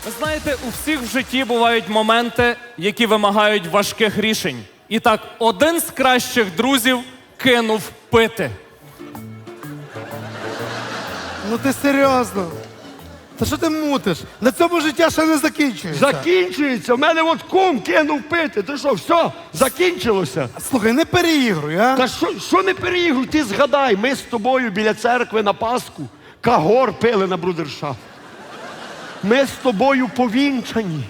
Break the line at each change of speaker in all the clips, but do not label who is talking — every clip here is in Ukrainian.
Ви знаєте, у всіх в житті бувають моменти, які вимагають важких рішень. І так, один з кращих друзів кинув пити.
Ну ти серйозно? Та що ти мутиш? На цьому життя ще не закінчується.
Закінчується. У мене от кум кинув пити. Ти що, все, закінчилося?
Слухай, не переігруй, а?
Та що не переігруй? Ти згадай, ми з тобою біля церкви на Пасху кагор пили на брудершафт. Ми з тобою повінчані.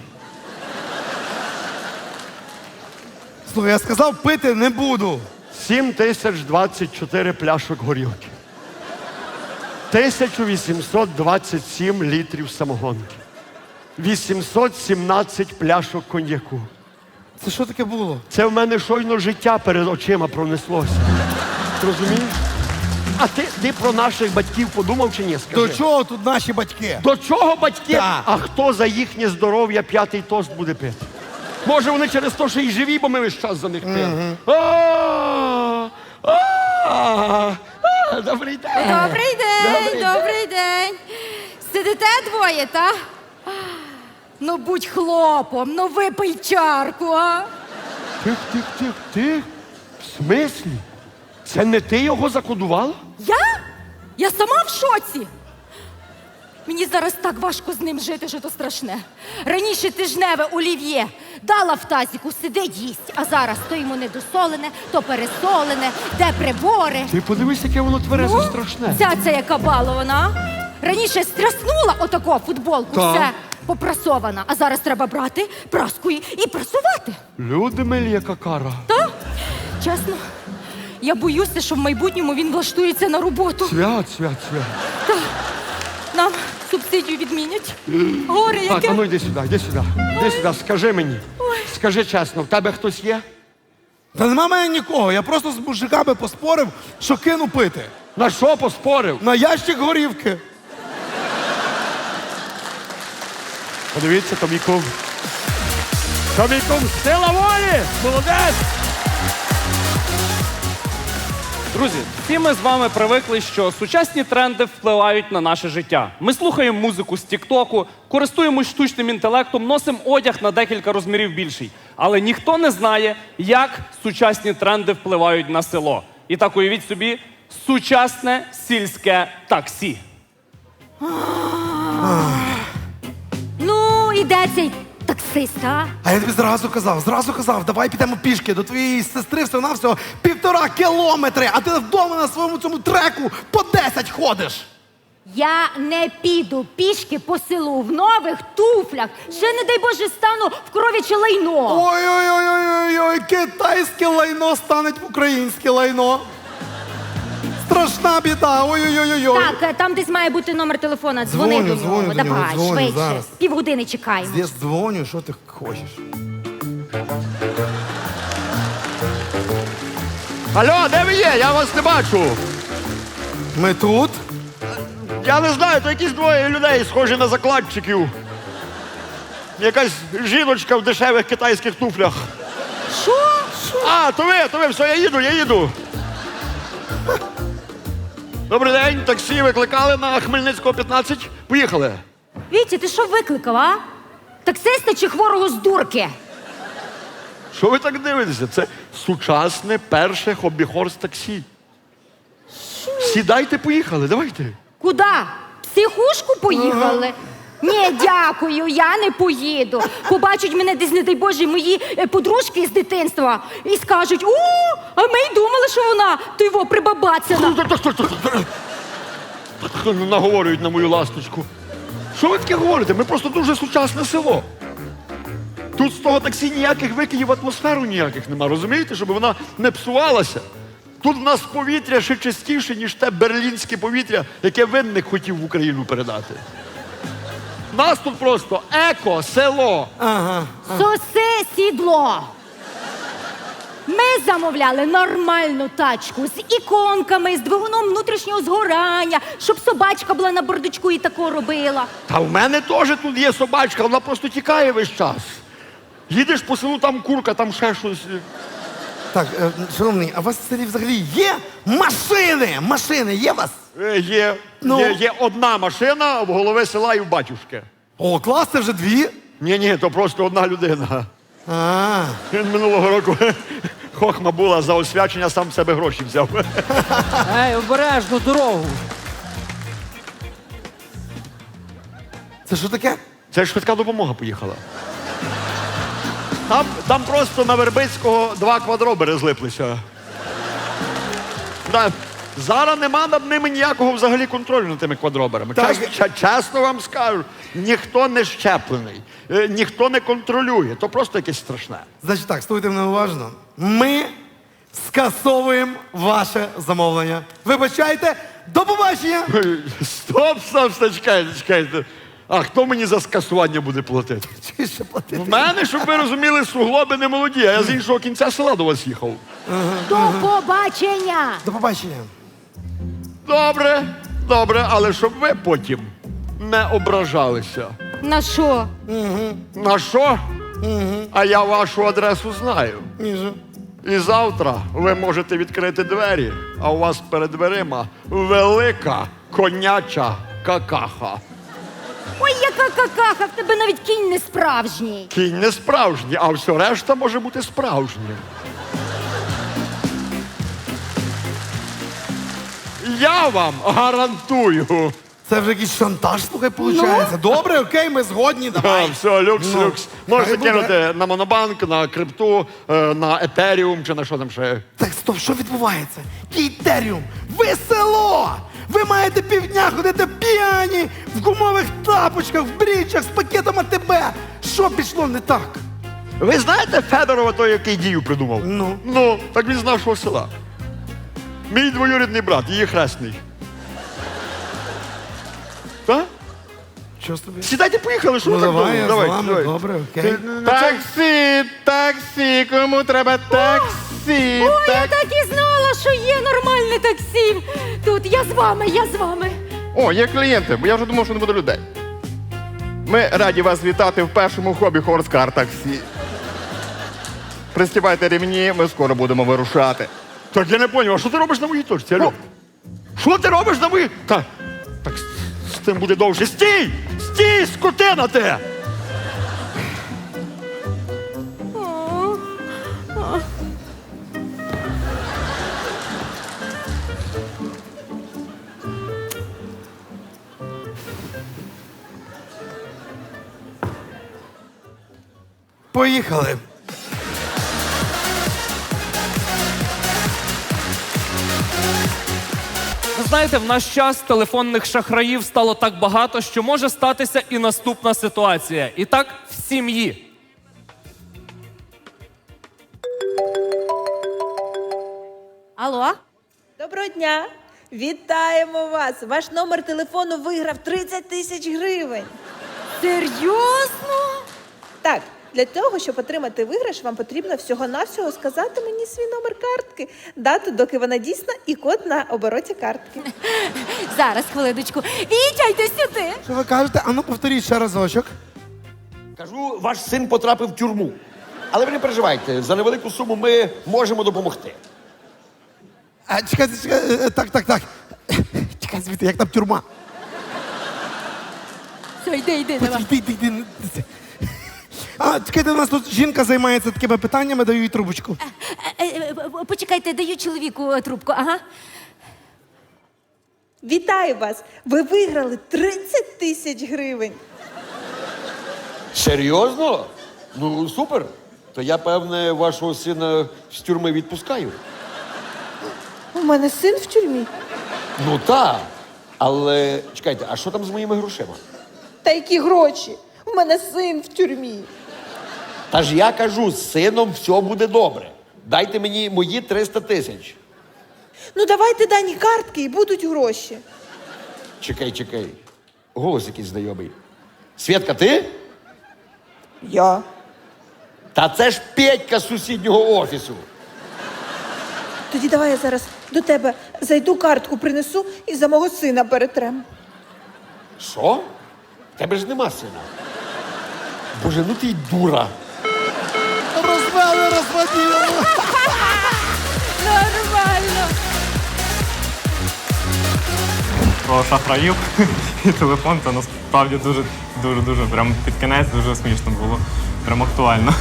Слухай, я сказав, пити не буду.
7024 пляшок горілки. 1827 літрів самогонки. 817 пляшок коньяку.
Це що таке було?
Це в мене щойно життя перед очима пронеслося. Розумієш? А ти про наших батьків подумав чи ні? Скажи.
До чого тут наші батьки?
До чого батьки?
Так.
А хто за їхнє здоров'я п'ятий тост буде пити? Може вони через те, що і живі, бо ми весь час за них пили. Добрий день.
Добрий день, добрий день. Сидите двоє, та? Ну будь хлопом, ну випий чарку, а?
Тих. В смислі? Це не ти його закодувала?
Я? Я сама в шоці. Мені зараз так важко з ним жити, що то страшне. Раніше тижневе олів'є дала в тазіку, сидить їсть, а зараз то йому недосолене, то пересолене, де прибори.
Ти подивись, яке воно тверезе страшне.
Ця яка балована. Раніше стряснула отако футболку,
Так.
все попрасована, а зараз треба брати праску і прасувати.
Люди милі, яка кара.
Та? Чесно, я боюся, що в майбутньому він влаштується на роботу.
Свят.
Та. Нам субсидію відмінять. Горе
Так,
яке.
а ну йди сюди, йди сюди. Йди сюди, скажи мені. Скажи чесно, в тебе хтось є?
Та нема мене нікого, я просто з мужиками поспорив, що кину пити.
На що поспорив?
На ящик горівки.
Подивіться, то мій кум. То мій кум, сила волі! Молодець!
Друзі, всі ми з вами привикли, що сучасні тренди впливають на наше життя. Ми слухаємо музику з Тік-Току, користуємось штучним інтелектом, носимо одяг на декілька розмірів більший. Але ніхто не знає, як сучасні тренди впливають на село. І так уявіть собі, сучасне сільське таксі.
Ну, і де цей таксист, а?
А я тобі зразу казав, давай підемо пішки до твоєї сестри всього-навсього 1,5 кілометри, а ти вдома на своєму цьому треку по 10 ходиш.
Я не піду пішки по селу в нових туфлях. Ще, не дай Боже, стану в кров'яче лайно.
Ой-ой-ой, китайське лайно стане в українське лайно. Страшна біда, ой-ой-ой.
Так, там десь має бути номер телефона. Дзвони
Дзвоню,
до нього.
дзвоню до нього,
Давай,
дзвоню
швидше.
зараз.
Півгодини чекаємо.
Я дзвоню, що ти хочеш?
Алло, де ви є? Я вас не бачу.
Ми тут?
Я не знаю, то якісь двоє людей, схожі на закладчиків. Якась жіночка в дешевих китайських туфлях.
Що?
А, то ви, все, я їду. Добрий день, таксі викликали на Хмельницького 15. Поїхали.
Вітя, ти що викликав, а? Таксиста чи хворого з дурки?
Що ви так дивитеся? Це сучасне перше хобі-хорс таксі. Сідайте, поїхали, давайте.
Куда? В психушку поїхали? Ні, дякую, я не поїду. Побачать мене десь, не дай Боже, мої подружки з дитинства і скажуть: о, а ми й думали, що вона то його прибабацяна.
Наговорюють на мою ласточку. Що ви таке говорите? Ми просто дуже сучасне село. Тут з того таксі ніяких викидів в атмосферу ніяких нема, розумієте? Щоб вона не псувалася. Тут в нас повітря ще чистіше, ніж те берлінське повітря, яке Винник хотів в Україну передати. У нас тут просто еко-село.
Соси сідло. Ми замовляли нормальну тачку з іконками, з двигуном внутрішнього згорання, щоб собачка була на бардачку і тако робила.
Та в мене теж тут є собачка, вона просто тікає весь час. Їдеш по селу, там курка, там ще щось.
Так, шановний, а у вас в селі взагалі є машини? Машини є у вас?
Є.
Ну?
Є одна машина в голови села і в батюшки.
О, клас, це вже 2.
Ні, то просто одна людина.
А,
Він минулого року хохма була за освячення, сам в себе гроші взяв.
Ей, обережно дорогу.
це що таке?
Це ж швидка допомога поїхала. Там просто на Вербицького 2 квадробери злиплися. Да, зараз нема над ними ніякого взагалі контролю над тими квадроберами.
Так.
Чесно вам скажу, ніхто не щеплений, ніхто не контролює. То просто якесь страшне.
Значить так, слухайте мене уважно. Ми скасовуємо ваше замовлення. Вибачайте, до побачення!
Стоп, чекайте. А хто мені за скасування буде платити?
Чи ще платити?
В мене, щоб ви розуміли, суглоби не молоді, а я з іншого кінця села до вас їхав.
До побачення!
До побачення.
Добре, але щоб ви потім не ображалися.
На що?
На що? А я вашу адресу знаю.
Ніже.
І завтра ви можете відкрити двері, а у вас перед дверима велика коняча какаха.
Ой, яка какаха, в тебе навіть кінь не справжній.
Кінь не справжній, а все решта може бути справжнім. Я вам гарантую.
Це вже якийсь шантаж, слухай, виходить. Добре, окей, ми згодні, давай.
Все, люкс. Можете
хай буде.
кинути на Монобанк, на крипту, на Етеріум чи на що там ще.
Так, стоп, що відбувається? Кейтеріум, ви село! Ви маєте півдня ходити п'яні, в гумових тапочках, в брічах, з пакетом АТБ. Що пішло не так?
Ви знаєте Федорова, той, який дію придумав?
Ну.
Так він з нашого села. Мій двоюрідний брат, її хресний. Так?
Що з тобі?
Сідайте, поїхали, що
Ну
ви так
давай,
довго?
я з вами, добре, окей.
Таксі, кому треба таксі?
Ой, я так і знала, що є нормальне таксі. Тут я з вами.
О, є клієнти, бо я вже думав, що не буде людей. Ми раді вас вітати в першому хобі Хорскар таксі. Пристібайте ремні, ми скоро будемо вирушати.
Так я не зрозумів, а що ти робиш на моїй точці, алло? Що ти робиш на моїй? Так з тим буде довше. Стій, скотина ти!
Поїхали.
Ви знаєте, в наш час телефонних шахраїв стало так багато, що може статися і наступна ситуація. І так в сім'ї.
Алло?
Доброго дня! Вітаємо вас! Ваш номер телефону виграв 30 тисяч гривень.
Серйозно?
Так, для того, щоб отримати виграш, вам потрібно всього-навсього сказати мені свій номер картки, дату, доки вона дійсна, і код на обороті картки.
Зараз, хвилиночку. Вітя, йди сюди.
Що ви кажете? Ану, повторіть ще разочок.
Кажу, ваш син потрапив в тюрму. Але ви не переживайте, за невелику суму ми можемо допомогти.
Чекайте, так. Чекай звідти, як там тюрма.
Все, йди, давай.
Йди. А, чекайте, у нас тут жінка займається такими питаннями, даю їй трубочку.
Почекайте, даю чоловіку трубку, ага.
Вітаю вас! Ви виграли 30 тисяч гривень.
Серйозно? Ну, супер. То я, певне, вашого сина з тюрми відпускаю.
У мене син в тюрмі.
Ну так. Але чекайте, а що там з моїми грошима?
Та які гроші? У мене син в тюрмі.
Та ж я кажу, з сином все буде добре. Дайте мені мої 300 тисяч.
Ну давайте дані картки і будуть гроші.
Чекай. Голос якийсь знайомий. Свєтка, ти?
Я.
Та це ж Петька з сусіднього офісу.
Тоді давай я зараз до тебе зайду, картку принесу і за мого сина перетрем.
Що? В тебе ж нема сина. Боже, ну ти й дура.
Розвели, розводили.
Нормально.
Про шахраїв і телефон це нас насправді дуже прям під кінець дуже смішно було. Прям актуально.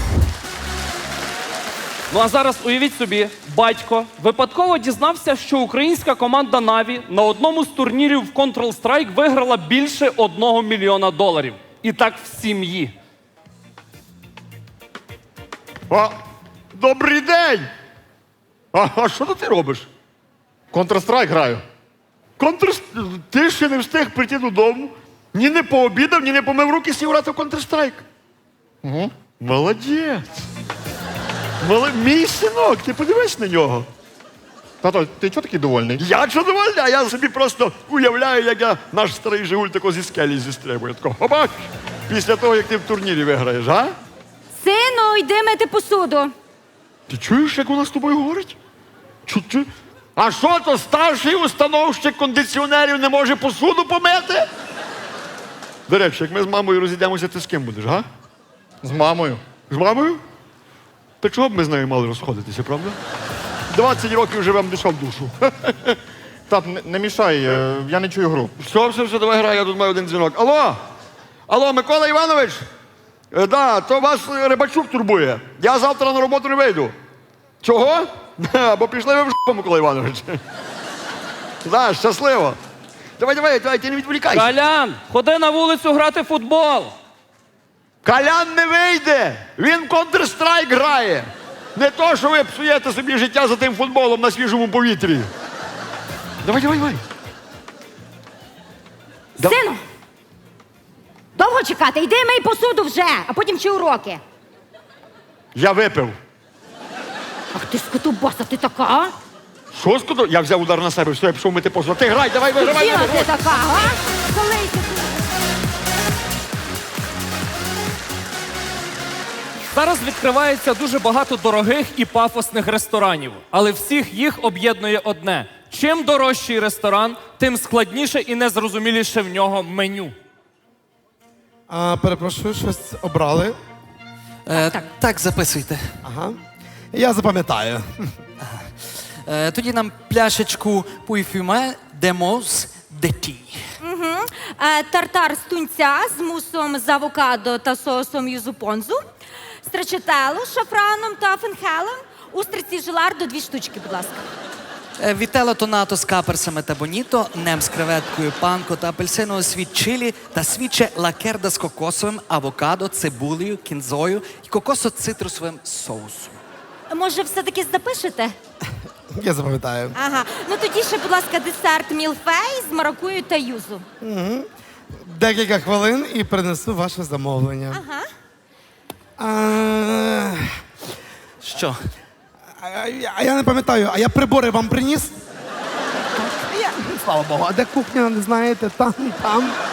Ну а зараз уявіть собі, батько випадково дізнався, що українська команда Наві на одному з турнірів в Counter-Strike виграла більше $1 мільйона. І так в сім'ї.
Добрий день! А що ти робиш?
Counter-Strike граю.
Ти ще не встиг прийти додому, ні не пообідав, ні не помив руки, сів грати в Counter-Strike.
Угу.
Молодець. Мій синок, ти подивись на нього.
Тато, ти чого такий довольний?
Я чудовольний, а я собі просто уявляю, як я наш старий Жигуль тако зі скелі зістрибує. Тако, хопак, після того, як ти в турнірі виграєш, а?
Сину, йди мити посуду.
Ти чуєш, як вона з тобою говорить? Чу. А що то старший установщик кондиціонерів не може посуду помити? До речі, як ми з мамою розійдемося, ти з ким будеш, га?
З мамою.
З мамою? Та чого б ми з нею мали розходитися, правда? 20 років живемо душа в душу.
Тат, не мішай, я не чую гру.
Все, давай грай, я тут маю один дзвінок. Алло, Микола Іванович? Да, то вас Рибачук турбує. Я завтра на роботу не вийду. Чого? Бо пішли ви в жопу, Микола Іванович. Да, щасливо. Давай, ти не відволікайся.
Колян, ходи на вулицю грати в футбол.
Колян не вийде! Він в Counter-Strike грає! Не то, що ви псуєте собі життя за тим футболом на свіжому повітрі. Давай.
Сину, довго чекати? Йди мий посуду вже, а потім вчи уроки.
Я випив.
Ах ти скотобаса, ти така, а?
Що скоро? Я взяв удар на себе, все, я пішов мити посуд. Ти грай, давай, вигравай.
Діла ти така, а? Залийся.
Зараз відкривається дуже багато дорогих і пафосних ресторанів, але всіх їх об'єднує одне. Чим дорожчий ресторан, тим складніше і незрозуміліше в нього меню.
Перепрошую, щось обрали.
Так, записуйте.
Ага. Я запам'ятаю.
Тоді нам пляшечку Пуйфюме Демос Деті.
Тартар з тунця з мусом з авокадо та соусом юзупонзу, страчетелу з шафраном та фенхелем, устриці желардо 2 штучки, будь ласка.
Вітело тонато з каперсами та боніто, нем з креветкою, панко та апельсинового світ чилі та свіче лакерда з кокосовим, авокадо, цибулею, кінзою і кокосо-цитрусовим соусом.
Може, все-таки запишете?
Я запам'ятаю.
Ага. Ну тоді ще, будь ласка, десерт мілфей з маракую та юзу.
Декілька хвилин і принесу ваше замовлення.
Ага.
Що?
А я не пам'ятаю, а я прибори вам приніс? Слава Богу, а де кухня, не знаєте? Там.